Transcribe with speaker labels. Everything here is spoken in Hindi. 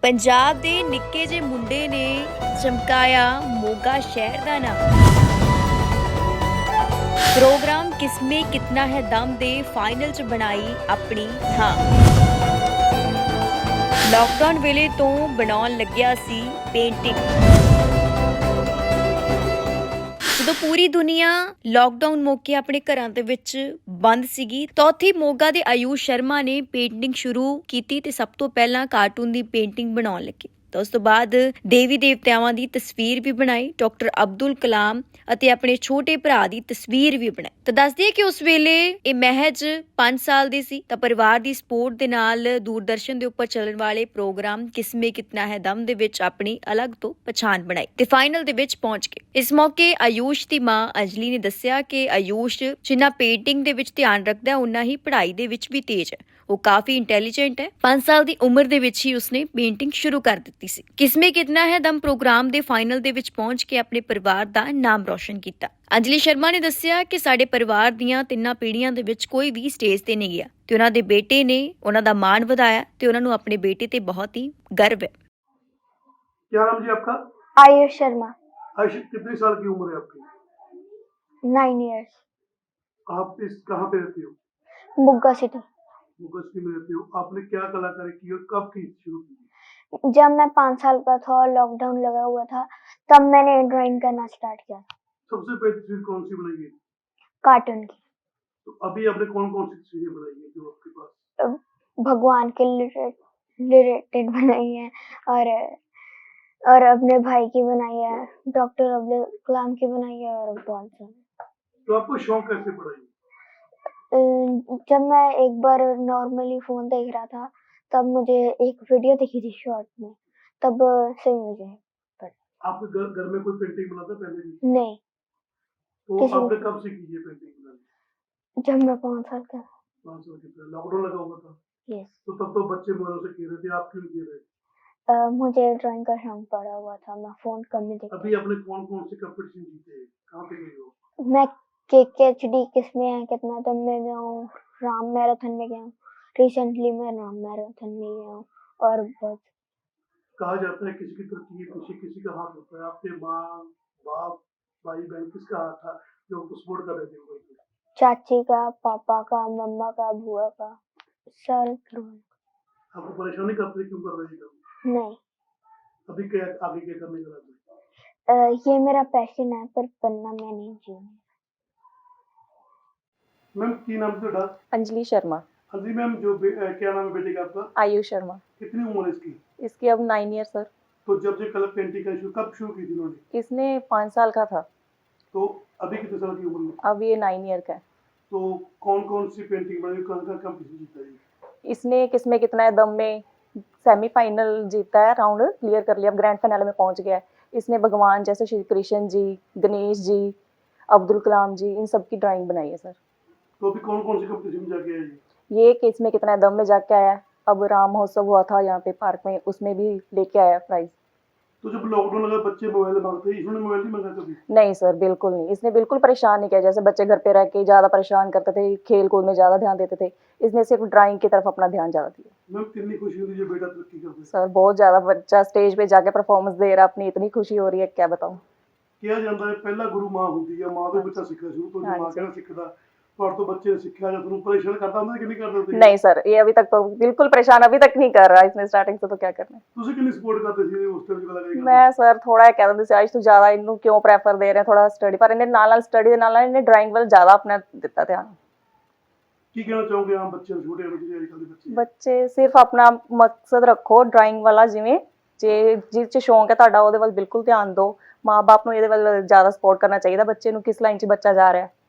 Speaker 1: पंजाब ਦੇ ਨਿੱਕੇ ਜਿਹੇ ਮੁੰਡੇ ਨੇ ਚਮਕਾਇਆ ਮੋਗਾ ਸ਼ਹਿਰ ਦਾ ਨਾਮ। ਪ੍ਰੋਗਰਾਮ ਕਿਸਮੇ ਕਿਤਨਾ ਹੈ ਦਮ ਦੇ ਫਾਈਨਲ 'ਚ ਬਣਾਈ ਆਪਣੀ ਥਾਂ। ਲਾਕਡਾਊਨ ਵੇਲੇ ਤੋਂ ਬਣਾਉਣ ਲੱਗਿਆ ਸੀ ਪੇਂਟਿੰਗ। ਜਦੋਂ ਪੂਰੀ ਦੁਨੀਆ ਲਾਕਡਾਊਨ ਮੌਕੇ ਆਪਣੇ ਘਰਾਂ ਦੇ ਵਿੱਚ ਬੰਦ ਸੀਗੀ ਤਾਂ ਉੱਥੇ ਮੋਗਾ ਦੇ ਆਯੂਸ਼ ਸ਼ਰਮਾ ਨੇ ਪੇਂਟਿੰਗ ਸ਼ੁਰੂ ਕੀਤੀ ਤੇ ਸਭ ਤੋਂ ਪਹਿਲਾਂ ਕਾਰਟੂਨ ਦੀ ਪੇਂਟਿੰਗ ਬਣਾਉਣ ਲੱਗੇ। ਤਾਂ ਉਸ ਤੋਂ ਬਾਅਦ ਦੇਵੀ ਦੇਵਤਿਆਵਾਂ ਦੀ ਤਸਵੀਰ ਵੀ ਬਣਾਈ, ਡਾਕਟਰ ਅਬਦੁਲ ਕਲਾਮ ਅਤੇ ਆਪਣੇ ਛੋਟੇ ਭਰਾ ਦੀ ਤਸਵੀਰ ਵੀ ਬਣਾਈ। ਤਾਂ ਦੱਸਦੀ ਹੈ ਕਿ ਉਸ ਵੇਲੇ ਇਹ ਮਹਿਜ 5 ਸਾਲ ਦੀ ਸੀ ਤਾਂ ਪਰਿਵਾਰ ਦੀ ਸਪੋਰਟ ਦੇ ਨਾਲ ਦੂਰਦਰਸ਼ਨ ਦੇ ਉੱਪਰ ਚੱਲਣ ਵਾਲੇ ਪ੍ਰੋਗਰਾਮ ਕਿਸਮੇ ਕਿਤਨਾ ਹੈ ਦਮ ਦੇ ਵਿੱਚ ਆਪਣੀ ਅਲੱਗ ਤੋਂ ਪਛਾਣ ਬਣਾਈ ਤੇ ਫਾਈਨਲ ਦੇ ਵਿੱਚ ਪਹੁੰਚ ਗਏ। ਇਸ ਮੌਕੇ ਆਯੂਸ਼ ਦੀ ਮਾਂ ਅੰਜਲੀ ਨੇ ਦੱਸਿਆ ਕਿ ਆਯੂਸ਼ ਜਿੰਨਾ ਪੇਂਟਿੰਗ ਦੇ ਵਿੱਚ ਧਿਆਨ ਰੱਖਦਾ ਉਨਾ ਹੀ ਪੜ੍ਹਾਈ ਦੇ ਵਿੱਚ ਵੀ ਤੇਜ਼ ਹੈ। ਉਹ ਕਾਫੀ ਇੰਟੈਲੀਜੈਂਟ ਹੈ। 5 ਸਾਲ ਦੀ ਉਮਰ ਦੇ ਵਿੱਚ ਹੀ ਉਸਨੇ ਪੇਂਟਿੰਗ ਸ਼ੁਰੂ ਕਰ ਦਿੱਤੀ ਸੀ। ਕਿਸਮੇ ਕਿਤਨਾ ਹੈ ਦਮ ਪ੍ਰੋਗਰਾਮ ਦੇ ਫਾਈਨਲ ਦੇ ਵਿੱਚ ਪਹੁੰਚ ਕੇ ਆਪਣੇ ਪਰਿਵਾਰ ਦਾ ਨਾਮ ਰੌਸ਼ਨ ਕੀਤਾ। ਅੰਜਲੀ ਸ਼ਰਮਾ ਨੇ ਦੱਸਿਆ ਕਿ ਸਾਡੇ ਪਰਿਵਾਰ ਦੀਆਂ 3 ਪੀੜ੍ਹੀਆਂ ਦੇ ਵਿੱਚ ਕੋਈ ਵੀ ਸਟੇਜ ਤੇ ਨਹੀਂ ਗਿਆ ਤੇ ਉਹਨਾਂ ਦੇ ਬੇਟੇ ਨੇ ਉਹਨਾਂ ਦਾ ਮਾਣ ਵਧਾਇਆ ਤੇ ਉਹਨਾਂ ਨੂੰ ਆਪਣੇ ਬੇਟੇ ਤੇ ਬਹੁਤ ਹੀ ਗਰਵ ਹੈ।
Speaker 2: क्या नाम जी आपका?
Speaker 3: आयुष शर्मा।
Speaker 2: आयुष, कितने साल की उम्र है आपकी?
Speaker 3: 9 years।
Speaker 2: आप इस कहाँ पे रहती हो?
Speaker 3: बुग्गा सिटी।
Speaker 2: मुगस्ती में रहती हो। आपने क्या कलाकारी की और कब की शुरू की?
Speaker 3: जब मैं 5 साल का था और लॉकडाउन लगा हुआ था तब मैंने ड्राइंग करना स्टार्ट किया था।
Speaker 2: सबसे पहली तस्वीर कौन सी बनाई है?
Speaker 3: कार्टून की।
Speaker 2: तो अभी आपने कौन कौन सी तस्वीरें बनाई है जो आपके पास?
Speaker 3: भगवान के रिलेटेड बनाई है और अपने भाई की बनाई है, डॉक्टर अब्दुल कलाम की बनाई है और बहुत सारी।
Speaker 2: तो आपको शौक कैसे पड़ा ये?
Speaker 3: जब मैं एक बार नॉर्मली फोन देख रहा था तब मुझे एक वीडियो दिखी थी शॉर्ट में, तब से मुझे
Speaker 2: आपके घर में कोई पेंटिंग बनाता पहले भी?
Speaker 3: नहीं।
Speaker 2: तो
Speaker 3: किसी
Speaker 2: आपने
Speaker 3: ने-
Speaker 2: कब से की ये पेंटिंग बनानी?
Speaker 3: जब मैं 5 साल का था।
Speaker 2: 5 साल के पहले लॉकडाउन लगा हुआ था।
Speaker 3: यस।
Speaker 2: तो तब तो बच्चे मोबाइलों से खेल रहे थे, आप क्यों नहीं खेल रहे?
Speaker 3: मुझे ड्राइंग का शौक पड़ा हुआ था, मैं फोन कम ही देखती।
Speaker 2: अभी आपने कौन कौन से कंपटीशन जीते हैं? कहाँ पे गए हो?
Speaker 3: मैं KKHD किसमें है कितना दम में गया हूँ, राम मैराथन में गया हूँ, रिसेंटली मैं राम मैराथन में गया हूँ और बहुत।
Speaker 2: कहा जाता है किसी की तरक्की खुशी किसी का हाथ होता है। आपके माँ बाप भाई बहन किसका हाथ था जो आपको सपोर्ट कर रहे थे मोबाइल पे?
Speaker 3: चाची का, पापा का, मम्मा का, बुआ का, सारे घर वालों
Speaker 2: आपको परेशानी करते थे, क्यों कर रहे थे काम?
Speaker 3: का। नहीं,
Speaker 2: अभी क्या आगे क्या करने का इरादा है?
Speaker 3: ये मेरा पैशन है पर बनना मैं नहीं चाहूँगी।
Speaker 2: मैम की नाम से डा?
Speaker 4: अंजलि शर्मा।
Speaker 2: हाँ जी मैम, क्या नाम है बेटे का आपका?
Speaker 4: आयुष शर्मा।
Speaker 2: कितनी उम्र है इसकी?
Speaker 4: इसकी अब 9 ईयर सर।
Speaker 2: तो जब से कलर पेंटिंग का कब शुरू की थी इन्होंने?
Speaker 4: इसने 5 साल का था,
Speaker 2: तो अभी कितने साल की उम्र में?
Speaker 4: अब ये 9 ईयर का है।
Speaker 2: तो कौन कौन सी पेंटिंग बनाई, कौन सा कंपटीशन जीता है?
Speaker 4: इसने किसमें कितना है दम में सेमीफाइनल जीता है, राउंड क्लियर कर लिया, अब ग्रैंड फाइनल में पहुंच गया है। इसने भगवान जैसे श्री कृष्ण जी, गणेश जी, अब्दुल कलाम जी, इन सब की ड्राइंग बनाई है सर।
Speaker 2: तो अभी कौन कौन सी कंपटीशन में जाके आए?
Speaker 4: ये किसमें कितना है दम में जाके आया है। अब राम महोत्सव हुआ था यहाँ पे पार्क में, उसमें भी लेके आया प्राइज।
Speaker 2: तो जब लॉकडाउन लगा बच्चे मोबाइल मांगते हैं, इसने मोबाइल नहीं मांगा कभी?
Speaker 4: नहीं सर, बिल्कुल नहीं। इसने बिल्कुल परेशान नहीं किया। जैसे बच्चे घर पे रह के ज़्यादा परेशान करते थे, खेल कूद में ज़्यादा ध्यान देते थे, इसने सिर्फ ड्राइंग की तरफ अपना ध्यान ज़्यादा दिया।
Speaker 2: मैम कितनी खुशी होती है जब बेटा तरक्की करता है?
Speaker 4: सर बहुत ज़्यादा, बच्चा स्टेज पे जाके परफॉर्मेंस दे रहा है अपनी, इतनी खुशी हो रही है क्या बताऊँ।
Speaker 2: ਕਿਹਾ ਜਾਂਦਾ ਹੈ ਪਹਿਲਾ ਗੁਰੂ ਮਾਂ ਹੁੰਦੀ ਹੈ, ਮਾਂ ਤੋਂ ਬੱਚਾ ਸਿੱਖਦਾ ਸ਼ੁਰੂ ਤੋਂ, ਜੋ ਮਾਂ ਕਹਿੰਦਾ ਸਿੱਖਦਾ। ਪਰ ਤੋਂ ਬੱਚੇ ਨੇ ਸਿੱਖਿਆ ਜਾਂ ਤੁਹਾਨੂੰ ਪਰੇਸ਼ਾਨ करता ਹੁੰਦਾ ਕਿ नहीं करता ਹੁੰਦਾ?
Speaker 4: नहीं सर, ये अभी तक तो बिल्कुल परेशान अभी तक नहीं कर रहा इसने, स्टार्टिंग से तो क्या करना है।
Speaker 2: ਤੁਸੀਂ ਕਿੰਨੀ ਸਪੋर्ट ਕਰਦੇ ਸੀ ਉਸ ਟਾਈਮ ਜਦੋਂ ਲਗਾਈ?
Speaker 4: मैं सर थोड़ा कह दिंदी सी, आज तू ज़्यादा इनू क्यों प्रैफर दे रहे हैं, थोड़ा स्टडी पर इन्हें नाल स्टडी के नाल इन्हें ड्राइंग वाल ज़्यादा अपना दिता ध्यान।
Speaker 2: ਕੀ ਕਹਿਣਾ ਚਾਹੋਗੇ ਆਮ ਬੱਚਿਆਂ ਨੂੰ, ਛੋਟੇ ਬੱਚੇ ਅੱਜ ਕੱਲ੍ਹ ਦੇ ਬੱਚੇ?
Speaker 4: ਬੱਚੇ ਸਿਰਫ ਆਪਣਾ ਮਕਸਦ ਰੱਖੋ ਡਰਾਇੰਗ ਵਾਲਾ, ਜਿਵੇਂ ਜੇ ਜਿਸ 'ਚ ਸ਼ੌਂਕ ਹੈ ਤੁਹਾਡਾ ਉਹਦੇ ਵੱਲ ਬਿਲਕੁਲ ਧਿਆਨ ਦਿਓ। ਮਾਂ ਬਾਪ ਨੂੰ ਇਹਦੇ ਵੱਲ ਜ਼ਿਆਦਾ ਸਪੋਰਟ ਕਰਨਾ ਚਾਹੀਦਾ ਬੱਚੇ ਨੂੰ, ਕਿਸ ਲਾਈਨ 'ਚ ਬੱਚਾ ਜਾ ਰਿਹਾ।